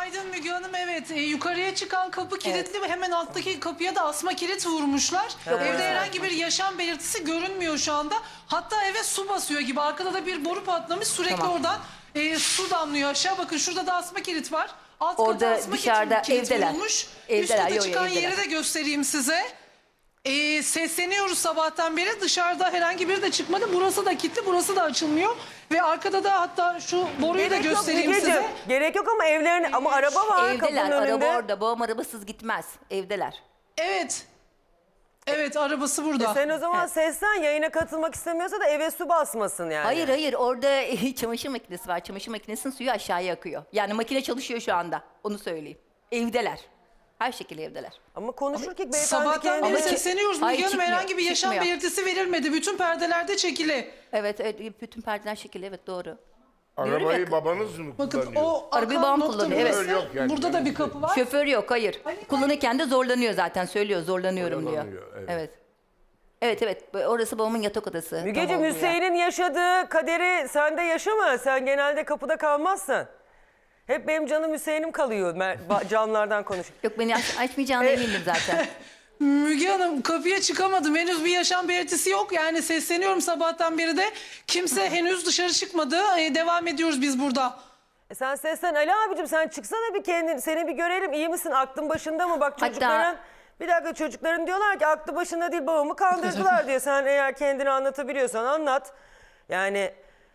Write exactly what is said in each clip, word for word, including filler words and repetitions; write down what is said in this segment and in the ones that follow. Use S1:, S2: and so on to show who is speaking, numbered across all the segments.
S1: Günaydın Müge Hanım. Evet, e, yukarıya çıkan kapı kilitli ve hemen alttaki kapıya da asma kilit vurmuşlar. Evde herhangi bir yaşam belirtisi görünmüyor şu anda. Hatta eve su basıyor gibi. Arkada da bir boru patlamış. Sürekli
S2: Tamam.
S1: oradan e, su damlıyor aşağı. Bakın şurada da asma kilit var. Alt
S2: Orada
S1: kata asma
S2: dışarıda,
S1: kilit
S2: evdeler.
S1: vurulmuş.
S2: Evdeler,
S1: Üst kata
S2: yo, yo,
S1: çıkan
S2: evdeler.
S1: yeri de göstereyim size. Ee, sesleniyoruz sabahtan beri. Dışarıda herhangi biri de çıkmadı. Burası da kilitli, burası da açılmıyor. Ve arkada da hatta şu boruyu da
S3: Gerek yok
S1: göstereyim
S3: Mügeciğim.
S1: size.
S3: Gerek yok ama evlerin ama araba var
S2: Evdeler,
S3: kapının
S2: araba
S3: önünde.
S2: orada. Babam arabasız gitmez. Evdeler.
S1: Evet. Evet, arabası burada.
S3: E sen o zaman seslen, yayına katılmak istemiyorsa da eve su basmasın yani.
S2: Hayır hayır, orada çamaşır makinesi var. Çamaşır makinesinin suyu aşağıya akıyor. Yani makine çalışıyor şu anda. Onu söyleyeyim. Evdeler. Her şekilde evdeler.
S3: Ama konuşurken beyefendi
S1: Sabahtan beri
S3: kendini...
S2: ki-
S1: sesleniyoruz.
S2: Hayır,
S1: Müge Hanım
S2: çıkmıyor,
S1: herhangi bir yaşam
S2: çıkmıyor.
S1: belirtisi verilmedi. Bütün perdelerde çekili.
S2: Evet, evet, bütün perdeler şekilli, evet doğru.
S4: Arabayı
S2: ya-
S4: babanız mı
S1: Bakın
S4: kullanıyor?
S1: o
S2: Arabayı
S1: akan
S2: babam
S1: nokta
S2: kullanıyor, evet.
S1: burası.
S4: Yok yani.
S1: Burada da bir kapı var.
S2: Şoför yok, hayır. Kullanırken de zorlanıyor zaten, söylüyor zorlanıyorum diyor.
S4: Zorlanıyor, evet.
S2: Evet. Evet evet, orası babamın yatak odası.
S3: Mügeciğim,
S2: Tam olduğu yer.
S3: Hüseyin'in yaşadığı kaderi sen de yaşama. Sen genelde kapıda kalmazsın. Hep benim canım Hüseyin'im kalıyor mer- ba- camlardan konuş.
S2: Yok, beni aç, açmayacağına emindim zaten.
S1: Müge Hanım kapıya çıkamadım. Henüz bir yaşam belirtisi yok. Yani sesleniyorum sabahtan beri de. Kimse henüz dışarı çıkmadı. Ee, devam ediyoruz biz burada.
S3: E sen seslen Ali abicim, sen çıksana bir kendin, seni bir görelim, iyi misin, aklın başında mı? Bak
S2: Hatta-
S3: çocukların, bir dakika, çocukların diyorlar ki aklı başında değil, babamı kandırdılar diyor. Sen eğer kendini anlatabiliyorsan anlat. Yani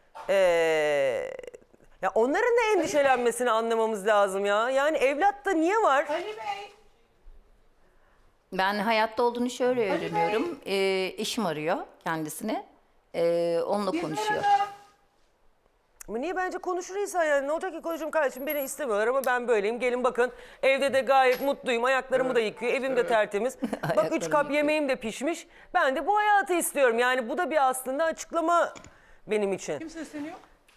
S3: eee ya onların da endişelenmesini anlamamız lazım ya. Yani evlatta niye var?
S1: Ali Bey.
S2: Ben hayatta olduğunu şöyle öğreniyorum. Ee, eşim arıyor kendisini. Ee, onunla konuşuyor.
S3: Ama niye, bence konuşur insan yani. Ne olacak ki, konuşurum kardeşim, beni istemiyorlar ama ben böyleyim. Gelin bakın, evde de gayet mutluyum. Ayaklarımı da yıkıyor, evim de tertemiz. Bak üç kap yemeğim de pişmiş. Ben de bu hayatı istiyorum. Yani bu da bir aslında açıklama benim için.
S1: Kim sesleniyor?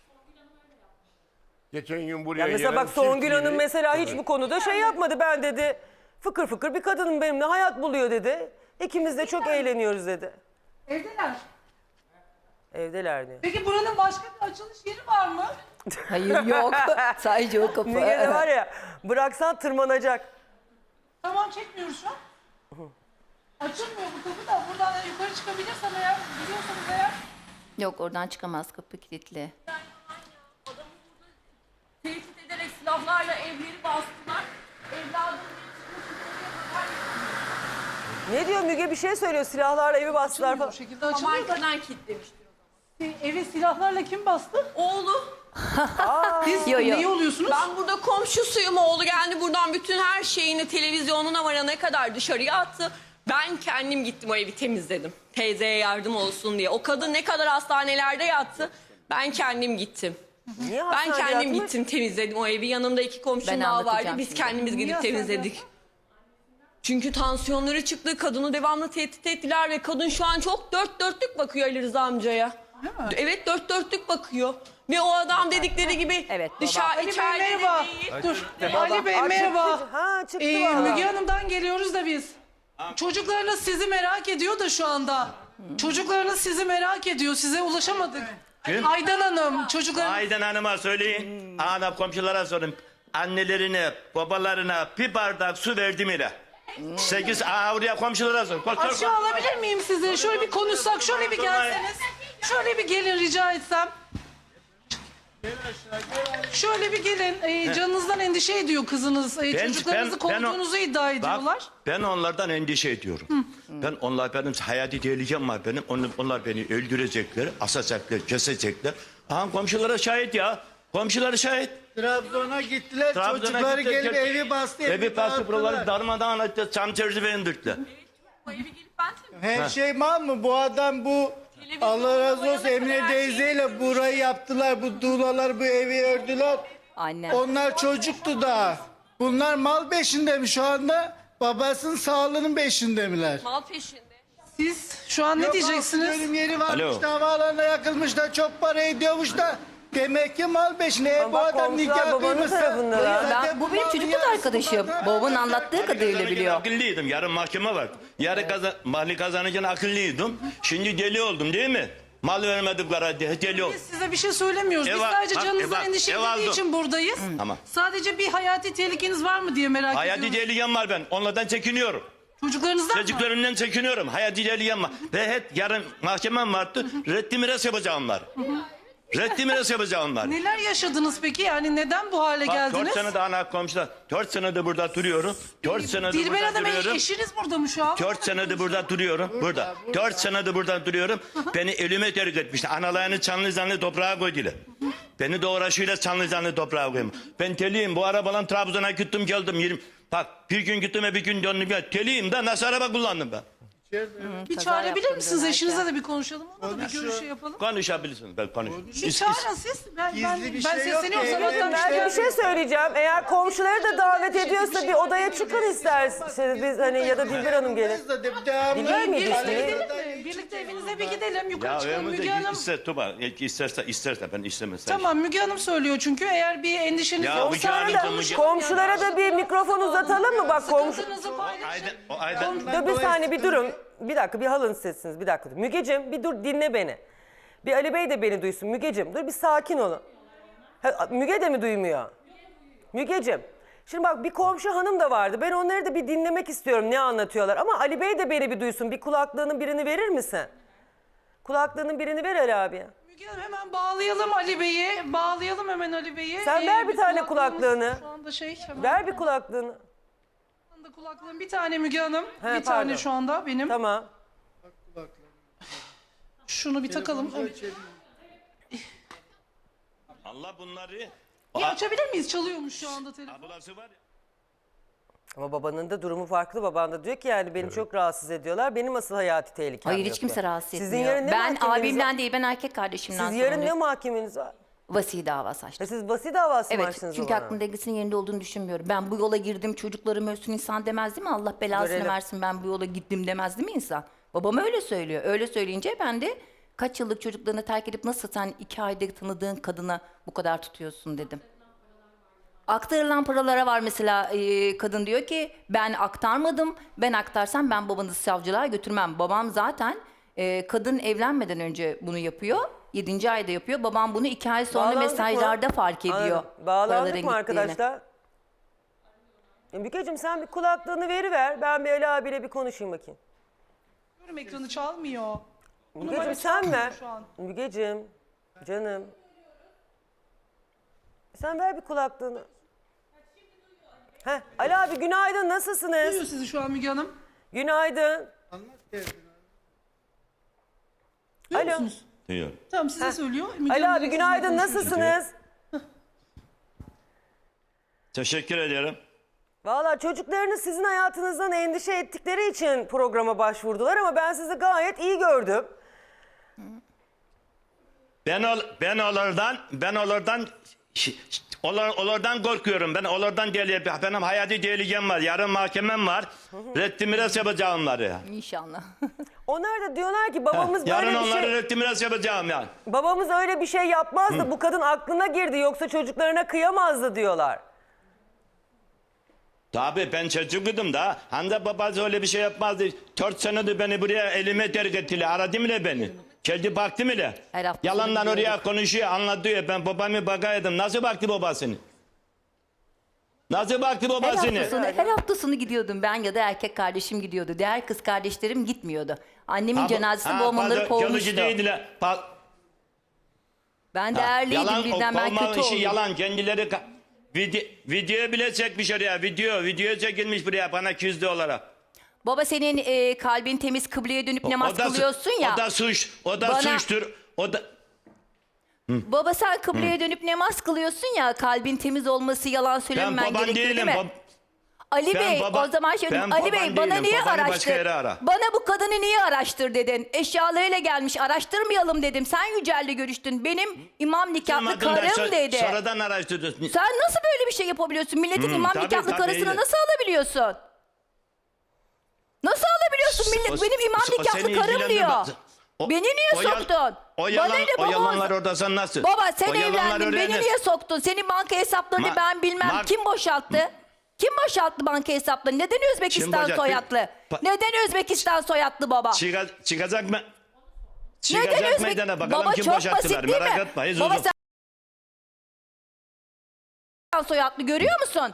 S4: Geçen gün buraya
S3: Ya mesela
S4: gelen
S3: bak Songül
S4: çift
S3: Hanım
S4: biri-
S3: mesela hiç bu konuda şey yapmadı. Ben dedi fıkır fıkır bir kadınım, benimle hayat buluyor dedi. İkimiz de çok eğleniyoruz dedi.
S1: Evdeler.
S3: Evdeler diyor.
S1: Peki buranın başka bir açılış yeri var mı?
S2: Hayır yok. Sadece o kapı.
S3: Müge de var ya, bıraksan tırmanacak.
S1: Tamam, çekmiyoruz şu an. Açılmıyor bu kapı da. Buradan yukarı çıkabilirsem eğer, biliyorsanız eğer.
S2: Yok, oradan çıkamaz, kapı kilitli.
S5: Tehdit ederek silahlarla evleri bastılar. Evladım
S3: Ne diyor Müge, bir şey söylüyor, silahlarla evi bastılar
S1: Bu
S3: falan.
S1: şekilde açılıyor da.
S5: Amerika'dan kilitlemiştir.
S1: Evi silahlarla kim bastı?
S5: Oğlu.
S1: Siz
S2: Yo, yo.
S1: neyi oluyorsunuz?
S5: Ben burada komşusuyum. Oğlu geldi buradan bütün her şeyini, televizyonuna varana kadar dışarıya attı. Ben kendim gittim o evi temizledim. Teyzeye yardım olsun diye. O kadın ne kadar hastanelerde yattı. Ben kendim gittim.
S3: Niye
S5: Ben
S3: hastanede
S5: kendim
S3: yatmış?
S5: gittim temizledim o evi. Yanımda iki komşum
S2: Ben
S5: daha vardı.
S2: anlatacağım
S5: Biz
S2: şimdi.
S5: kendimiz
S1: Niye
S5: gidip
S1: hastanede
S5: temizledik. Çünkü tansiyonları çıktı. Kadını devamlı tehdit ettiler ve kadın şu an çok dört dörtlük bakıyor Ali Rıza amcaya. Evet, dört dörtlük bakıyor. Ve o adam dedikleri gibi
S2: Evet, baba.
S5: dışarı
S1: Ali Bey
S5: içeride de
S1: merhaba.
S5: değil.
S1: Dur.
S3: Baba,
S1: Ali Bey
S3: aa,
S1: merhaba.
S3: çıktı. Ha çıktı
S1: Ee,
S3: valla.
S1: Müge Hanım'dan geliyoruz da biz. Çocuklarınız sizi merak ediyor da şu anda. Çocuklarınız sizi merak ediyor. Size ulaşamadık.
S6: Kim?
S1: Aydan Hanım, çocuklar.
S6: Aydan Hanım'a söyleyin. Ana komşulara sorun. Annelerine, babalarına bir bardak su verdim ile. Sekiz aa, oraya komşulara sorun. Koş, koş, koş.
S1: Aşağı alabilir miyim sizi? Şöyle bir konuşsak, şöyle bir gelseniz. Şöyle bir gelin rica etsem. Şöyle bir gelin. Ee, canınızdan endişe ediyor kızınız. Ee,
S6: Ben-
S1: çocuklarınızı
S6: ben- ben o-
S1: kovduğunuzu iddia ediyorlar.
S6: Bak, ben onlardan endişe ediyorum. Ben onlar benim hayati tehlikem var benim. Onlar, onlar beni öldürecekler, asacaklar, kesecekler. Aha komşulara şahit ya. Komşuları şahit.
S7: Trabzon'a gittiler,
S6: Trabzon'a
S7: çocukları
S6: gittiler,
S7: gelip
S6: gel-
S7: evi bastı,
S6: Evi bastı,
S7: dağıttılar.
S6: buraları darmadağın etti. Çam çerçeve indirdiler.
S5: Bu evi gelip ben temizledim.
S7: Her şey mal mı? Bu adam bu, Allah razı olsun, Emine teyzeyle burayı yaptılar. Bu tuğlalar, bu evi ördüler.
S2: Annem.
S7: Onlar çocuktu daha. Bunlar mal peşinde mi şu anda? Babasının sağlığının peşinde miler?
S5: Mal peşinde.
S1: Siz şu an ne
S7: Yok,
S1: diyeceksiniz?
S7: Bölüm yeri varmış
S6: Alo.
S7: da, havaalanına yakılmış da, çok para ediyormuş da. Demek ki mal peşinde. E,
S3: Ama
S7: bu
S3: bak,
S7: adam
S3: komşular
S7: nikah
S3: babanın
S7: kıymışsa.
S3: tarafında da.
S7: zaten
S2: Ben, bu benim
S7: malı
S2: çocukluk
S7: yarısı
S2: arkadaşım.
S7: bana.
S2: Babamın anlattığı kadarıyla
S6: Kazanırken
S2: biliyor.
S6: akıllıydım. Yarın mahkeme var. Yarın kazan, mali kazanırken akıllıydım. Şimdi deli oldum değil mi? Mal vermedikleri deli yok.
S1: Biz size bir şey söylemiyoruz. Biz
S6: Eva-
S1: sadece
S6: bak,
S1: canınızın
S6: Eva-
S1: endişelendiği
S6: Evaldo.
S1: için buradayız.
S6: Tamam.
S1: Sadece bir hayati tehlikeniz var mı diye merak
S6: Hayati
S1: ediyoruz.
S6: tehlikem var ben. Onlardan çekiniyorum.
S1: Çocuklarınızdan mı?
S6: Çocuklarımdan çekiniyorum. Hayati tehlikem var. Ve hep yarın mahkemem vardı. Reddi miras yapacağım var. Reddi miras yapacağım var.
S1: Neler yaşadınız peki? Yani neden bu hale
S6: Bak
S1: geldiniz?
S6: dört sene daha ana komşular. Dört senedir burada duruyorum. Dört senedir
S1: Dilber
S6: burada
S1: Hanım
S6: duruyorum.
S1: eşiniz burada mı şu an?
S6: Dört senedir burada duruyorum. Burada. Dört senedir burada duruyorum. Beni ölüme terk etmişler. Analarını canlı canlı toprağa koydular. Beni de uğraşıyla canlı canlı toprağa koyayım. Ben teliyim. Bu arabalan Trabzon'a gittim geldim. yirmi Bak bir gün gittim bir gün döndüm. Ya, teliyim de nasıl araba kullandım ben?
S1: Bir
S2: Kaza
S1: çağırabilir
S2: yaptın
S1: misiniz?
S2: dönerken.
S1: Eşinizle de bir konuşalım. Onunla da bir
S7: Konuşuyor.
S1: görüşü yapalım.
S6: Konuşabilirsiniz. Ben konuş.
S1: Bir çağırın siz. Ben, ben,
S7: Gizli bir
S1: ben
S7: şey yok
S1: sesleniyorum.
S7: ki.
S1: Sabahtan
S3: Ben bir
S1: beri-
S3: şey söyleyeceğim. Eğer komşuları da davet ediyorsa bir odaya çıkın isterseniz biz hani ya da Dilber Hanım gelin.
S7: Biz de de- devamlı-
S3: Dilber miydi
S1: Birlikte
S3: ismi?
S1: gidelim mi? Birlikte evinize bir gidelim. Yukarı
S6: Ya
S1: çıkalım
S6: evimizde
S1: Müge Hanım.
S6: ister Tuba. İsterse isterse ben istemezsem.
S1: Tamam Müge Hanım söylüyor çünkü eğer bir endişeniz
S6: Ya
S1: yoksa
S6: Müge Hanım
S3: Komşulara
S6: da
S3: da,
S6: Müge-
S3: komşulara da bir mikrofon uzatalım mı? Bak komşu...
S1: sıkıntınızı paylaşın.
S6: Aydan, o aydan.
S3: Dur bir saniye bir durun. Bir dakika bir halın sesiniz bir dakika. Mügeciğim bir dur dinle beni. Bir Ali Bey de beni duysun. Mügeciğim dur bir sakin olun. Ha, Müge de mi duymuyor? Mügeciğim. Şimdi bak bir komşu hanım da vardı. Ben onları da bir dinlemek istiyorum ne anlatıyorlar. Ama Ali Bey de beni bir duysun. Bir kulaklığının birini verir misin? Kulaklığının birini ver Ali abi.
S1: Müge Hanım hemen bağlayalım Ali Bey'i. Bağlayalım hemen Ali Bey'i.
S3: Sen ver bir tane
S1: kulaklığımız
S3: kulaklığını.
S1: Şu anda şey hemen.
S3: Ver bir kulaklığını.
S1: Şu anda kulaklığım bir tane Müge Hanım.
S3: He,
S1: bir
S3: pardon.
S1: tane şu anda benim.
S3: Tamam.
S1: Şunu bir takalım.
S6: Allah bunları.
S1: Bir açabilir miyiz? Çalıyormuş şu anda telefon.
S6: Ablası var ya.
S3: Ama babanın da durumu farklı. Baban da diyor ki yani beni çok rahatsız ediyorlar. Benim asıl hayati tehlikem
S2: Hayır
S3: yok
S2: hiç kimse
S3: diyor.
S2: rahatsız etmiyor.
S3: Sizin yarın ne
S2: ben
S3: mahkemeniz
S2: abimden
S3: var?
S2: değil ben erkek kardeşimden
S3: Siz yarın ne
S2: sorumluyum.
S3: mahkemeniz var?
S2: Vasi davası açtım.
S3: E siz vasi davası mı
S2: Evet
S3: açtınız
S2: çünkü
S3: o bana?
S2: aklım dengesinin yerinde olduğunu düşünmüyorum. Ben bu yola girdim çocuklarım ölsün insan demez değil mi? Allah belasını
S3: Görelim.
S2: versin ben bu yola gittim demez değil mi insan? Babam öyle söylüyor. Öyle söyleyince ben de kaç yıllık çocuklarını terk edip nasıl sen iki ayda tanıdığın kadına bu kadar tutuyorsun dedim. Aktarılan paralara var mesela e, kadın diyor ki ben aktarmadım. Ben aktarsam ben babanızı savcılığa götürmem. Babam zaten e, kadın evlenmeden önce bunu yapıyor. Yedinci ayda yapıyor. Babam bunu iki ay sonra
S3: Bağlandık mı?
S2: mesajlarda fark ediyor.
S3: Anladım. Bağlandık
S2: paraların
S3: mı
S2: gittiğini.
S3: arkadaşlar? E, Mükeciğim sen bir kulaklığını veriver. Ben bir Ali abiyle bir konuşayım bakayım.
S1: Görüm ekranı çalmıyor.
S3: Mügeciğim sen ver.
S1: şu an.
S3: Mügeciğim canım. Sen ver bir kulaklığını. Heh, Ali abi günaydın nasılsınız?
S1: Duyuyor sizi şu an Müge Hanım.
S3: Günaydın.
S7: Anlat derdini.
S1: Duyuyor
S3: Alo.
S1: musunuz?
S6: Diyor.
S1: Tamam size söylüyor. Müge
S3: Ali
S1: Hanım
S3: abi
S1: direkt
S3: günaydın
S1: sizinle konuşuyor.
S3: nasılsınız?
S6: Teşekkür ederim.
S3: Valla çocuklarınız sizin hayatınızdan endişe ettikleri için programa başvurdular ama ben sizi gayet iyi gördüm.
S6: Ben ol, ben onlardan ben onlardan ş- ş- onlar, onlardan korkuyorum. Ben onlardan değil. Benim hayati tehlikem var. Yarın mahkemem var. Reddi miras yapacağım var ya.
S2: İnşallah.
S3: Onlar da diyorlar ki babamız böyle
S6: Yarın
S3: bir
S6: onları
S3: şey...
S6: reddi miras yapacağım yani.
S3: Babamız öyle bir şey yapmazdı. Bu kadın aklına girdi yoksa çocuklarına kıyamazdı diyorlar.
S6: Tabii ben çocukluyum da. Hande babası öyle bir şey yapmazdı. Dört senedir beni buraya elime terk ettiler. Aradı mı beni? Geldi baktı mı?
S2: Her hafta
S6: Yalandan
S2: sonu
S6: oraya
S2: gidiyorduk.
S6: konuşuyor anlatıyor. Ben babamı bakaydım. Nasıl baktı babasını? Nasıl baktı
S2: Her
S6: babasını?
S2: hafta, sonu, her hafta sonu gidiyordum ben ya da erkek kardeşim gidiyordu. Diğer kız kardeşlerim gitmiyordu. Annemin
S6: Ha, bu-
S2: cenazesi
S6: ha,
S2: babam onları
S6: pardon,
S2: kovmuştu.
S6: Yolcu değildiler. Pa-
S2: Ben
S6: Ha,
S2: değerliydim
S6: yalan,
S2: birden
S6: o
S2: ben
S6: kovma
S2: kötü
S6: işi
S2: oldum.
S6: yalan. Kendileri ka- video, video bile çekmiş oraya. Video, video çekilmiş buraya bana küzdü olarak.
S2: Baba senin e, kalbin temiz kıbleye dönüp namaz
S6: O da su-
S2: kılıyorsun ya.
S6: O da suç. O da
S2: Bana-
S6: suçtur. O da
S2: Baba sen kıbleye dönüp namaz kılıyorsun ya kalbin temiz olması yalan
S6: ben
S2: söylememen
S6: baban
S2: gerekiyor
S6: değilim.
S2: değil mi?
S6: Bab-
S2: Ali
S6: Ben
S2: Bey
S6: baba-
S2: o zaman şöyle
S6: ben
S2: Ali Bey
S6: baban
S2: bana
S6: değilim,
S2: niye
S6: babanı başka
S2: araştır?
S6: yere ara.
S2: Bana bu kadını niye araştır dedin? Eşyalarıyla gelmiş araştırmayalım dedim. Sen Yücel'le görüştün. Benim imam nikahlı
S6: Duymadın da
S2: karım
S6: so-
S2: dedi.
S6: Sonradan araştırdın.
S2: Sen nasıl böyle bir şey yapabiliyorsun? Milletin
S6: Hmm,
S2: imam
S6: tabii,
S2: nikahlı
S6: tabii,
S2: karısını
S6: öyle.
S2: nasıl alabiliyorsun? Nasıl alabiliyorsun? Millet
S6: O-
S2: benim imam
S6: o- o
S2: nikahlı
S6: seni
S2: karım diyor.
S6: ilgilendirmez. O-
S2: Beni niye
S6: o yal-
S2: soktun?
S6: O, yalan,
S2: Bana ne
S6: o
S2: baba?
S6: yalanlar orada sen nasıl?
S2: Baba sen
S6: O yalanlar
S2: evlendin beni
S6: öğrenir.
S2: niye soktun? Senin banka hesaplarını
S6: Ma-
S2: ben bilmem.
S6: ma-
S2: Kim boşalttı? Kim boşalttı banka hesaplarını? Neden Özbekistan
S6: boşalttı?
S2: soyadlı?
S6: Pa-
S2: Neden Özbekistan soyadlı baba?
S6: Çıka- çıkacak mı? Çıkacak
S2: Neden üzmek?
S6: meydana bakalım
S2: Baba
S6: kim
S2: çok
S6: boşalttılar.
S2: basit değil
S6: Merak
S2: mi?
S6: etme. hiç
S2: Baba
S6: uzun.
S2: sen soyadlı görüyor musun?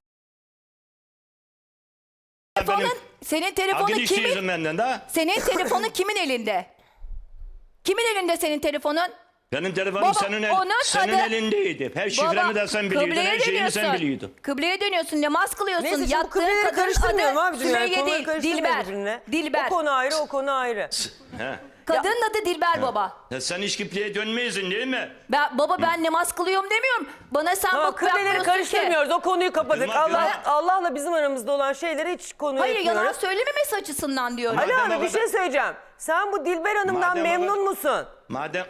S2: Telefonun,
S6: Benim-
S2: senin telefonun
S6: Akil
S2: kimin?
S6: işçiyim benden de.
S2: Senin telefonun kimin elinde? Kimin elinde senin telefonun?
S6: Benim telefonum
S2: Baba,
S6: senin, el,
S2: onun
S6: senin
S2: adı-
S6: elindeydi. Her şifremi de sen biliyordun.
S2: kıbleye
S6: Her şeyimi sen
S2: dönüyorsun.
S6: biliyordun.
S2: Kıbleye dönüyorsun, namaz kılıyorsun.
S3: Neyse şimdi bu
S2: Yattığın
S3: kıbleleri
S2: kadının
S3: karıştırmıyorum
S2: adı
S3: abicim. Yani.
S2: Sümeyye
S3: Konuları
S2: değil,
S3: karıştırmıyorum
S2: Dilber.
S3: birbirine.
S2: Dilber.
S3: O konu ayrı, o konu ayrı.
S6: He.
S2: Kadının adı Dilber baba.
S6: Ya sen hiç kipleye dönmeyisin değil mi?
S2: Ben, baba ben namaz kılıyorum demiyorum. Bana sen
S3: Tamam,
S2: bak
S3: kıbleleri
S2: bakmıyorsun ki.
S3: karıştırmıyoruz. O konuyu kapadık.
S6: Yılmaz,
S3: Allah,
S6: Yılmaz.
S3: Allah'la bizim aramızda olan şeyleri hiç konu
S2: Hayır yalan
S3: etmiyoruz.
S2: söylememesi açısından diyorum.
S3: Ali
S6: Madem
S3: abi
S6: o
S3: bir
S6: kadar-
S3: şey söyleyeceğim. Sen bu Dilber Hanım'dan
S6: Madem o
S3: memnun
S6: kadar-
S3: musun?
S6: Madem...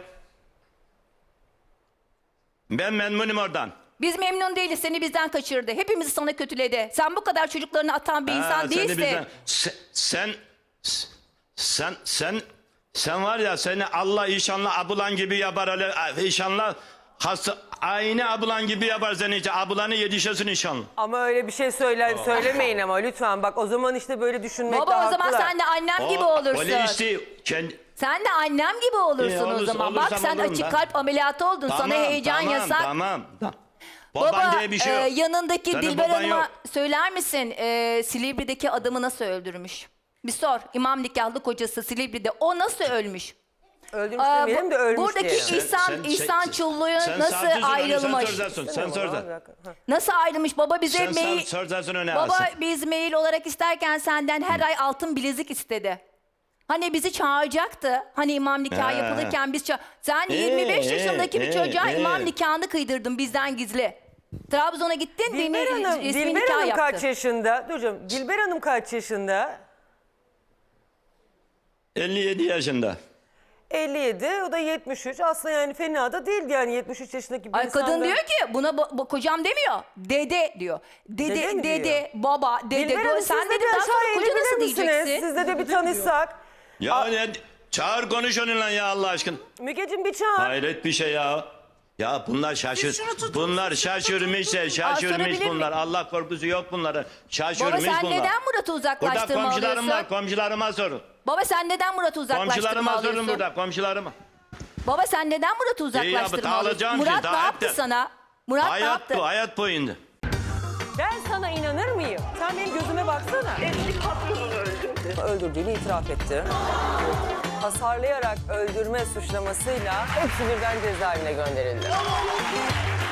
S6: Ben memnunum oradan.
S2: Biz memnun değiliz. Seni bizden kaçırdı. Hepimizi sana kötüledi. Sen bu kadar çocuklarını atan bir
S6: Ha,
S2: insan
S6: seni
S2: değilsin.
S6: bizden- Sen, sen, sen, sen, sen var ya seni Allah inşallah abulan gibi yapar öyle inşallah hasta aynı abulan gibi yapar seni işte abulanı yetişesin inşallah.
S3: Ama öyle bir şey söyle, söylemeyin ama lütfen. Bak o zaman işte böyle düşünmekte
S2: Baba o zaman
S3: haklılar.
S2: sen de annem gibi
S6: O-
S2: olursun.
S6: Öyle işte kendi,
S2: Sen de annem gibi olursun
S6: İyi,
S2: o
S6: olursa-
S2: zaman. Bak
S6: olursam
S2: sen
S6: olurum
S2: açık
S6: ben.
S2: kalp ameliyatı oldun. Sana heyecan
S6: tamam,
S2: yasak.
S6: Tamam tamam. Baban
S2: Baba
S6: diye bir şey yok.
S2: e, yanındaki
S6: Senin
S2: Dilber
S6: baban
S2: Hanım'a
S6: yok.
S2: söyler misin e, Silivri'deki adamı nasıl öldürmüş? Bir sor. İmam nikahlı kocası Silivri'de o nasıl ölmüş?
S3: Öldürmüş
S2: Aa,
S3: demeyelim de ölmüş
S2: buradaki
S3: diye.
S2: iş- İhsan- İhsan Çullu'yu
S6: sen
S2: nasıl
S6: savcısın, onu
S2: ayrılmış?
S6: Sen soracaksın, sen
S3: Bir
S6: soracaksın.
S3: dakika, ha.
S2: Nasıl ayrılmış? Baba bize
S6: Sen
S2: mail...
S6: sav- soracaksın öne
S2: Baba
S6: alsın.
S2: biz mail olarak isterken senden her ay altın bilezik istedi. Hani bizi çağıracaktı. Hani imam nikahı
S6: He.
S2: yapılırken biz ça- Sen
S6: He,
S2: yirmi beş
S6: he,
S2: yaşındaki bir
S6: he,
S2: çocuğa
S6: he.
S2: imam nikahını kıydırdın bizden gizli. Trabzon'a gittin dini
S3: Dilber Hanım,
S2: resmi
S3: Dilber
S2: nikah
S3: Hanım
S2: yaptın.
S3: kaç yaşında? Dur canım, Dilber Hanım kaç yaşında?
S6: elli yedi yaşında.
S3: elli yedi, o da yetmiş üç. Aslında yani fena da değil yani yetmiş üç yaşındaki bir
S2: Ay
S3: insan
S2: kadın
S3: da-
S2: diyor ki buna bo- bo- kocam demiyor. Dede diyor. Dede
S3: Dede mi
S2: dede,
S3: diyor?
S2: baba dede.
S3: Dilber Hanım,
S2: Sen
S3: siz de
S2: dedi
S3: bir
S2: daha
S3: aşağı
S2: sonra koca
S3: inebilir
S2: nasıl
S3: misiniz?
S2: diyeceksin?
S3: Sizle de bir tanışsak.
S6: Ya ne, çağır konuş onunla ya Allah aşkına.
S3: Mügeciğim bir çağır.
S6: Hayret bir şey ya. Ya bunlar şaşır.
S1: Biz şunu tutun,
S6: Bunlar
S1: siz şunu
S6: şaşırmış,
S1: tutun.
S6: şaşırmış
S2: sorabilir
S6: bunlar.
S2: miyim?
S6: Allah korkusu yok bunlara. Şaşırmış
S2: Baba sen
S6: bunlar.
S2: neden Murat'ı
S6: Burada
S2: uzaklaştırma
S6: komşularım
S2: alıyorsun?
S6: var, komşularıma sorun.
S2: Baba sen neden Murat'ı uzaklaştırma
S6: Komşularıma sorun
S2: alıyorsun?
S6: burada, komşularıma.
S2: Baba sen neden Murat'ı
S6: İyi ya,
S2: uzaklaştırma
S6: bu
S2: alıyorsun?
S6: dağılacağım
S2: Murat
S6: şimdi,
S2: ne
S6: daha
S2: yaptı
S6: hep de-
S2: sana? Murat ne
S6: Hayat
S2: yaptı?
S6: bu, hayat boyunca.
S3: Ben sana inanır mıyım? Sen benim gözüme baksana.
S4: Eski patronunu öldürdü.
S3: Öldürdüğünü itiraf etti. Hasarlayarak öldürme suçlamasıyla hepsi birden cezaevine gönderildi.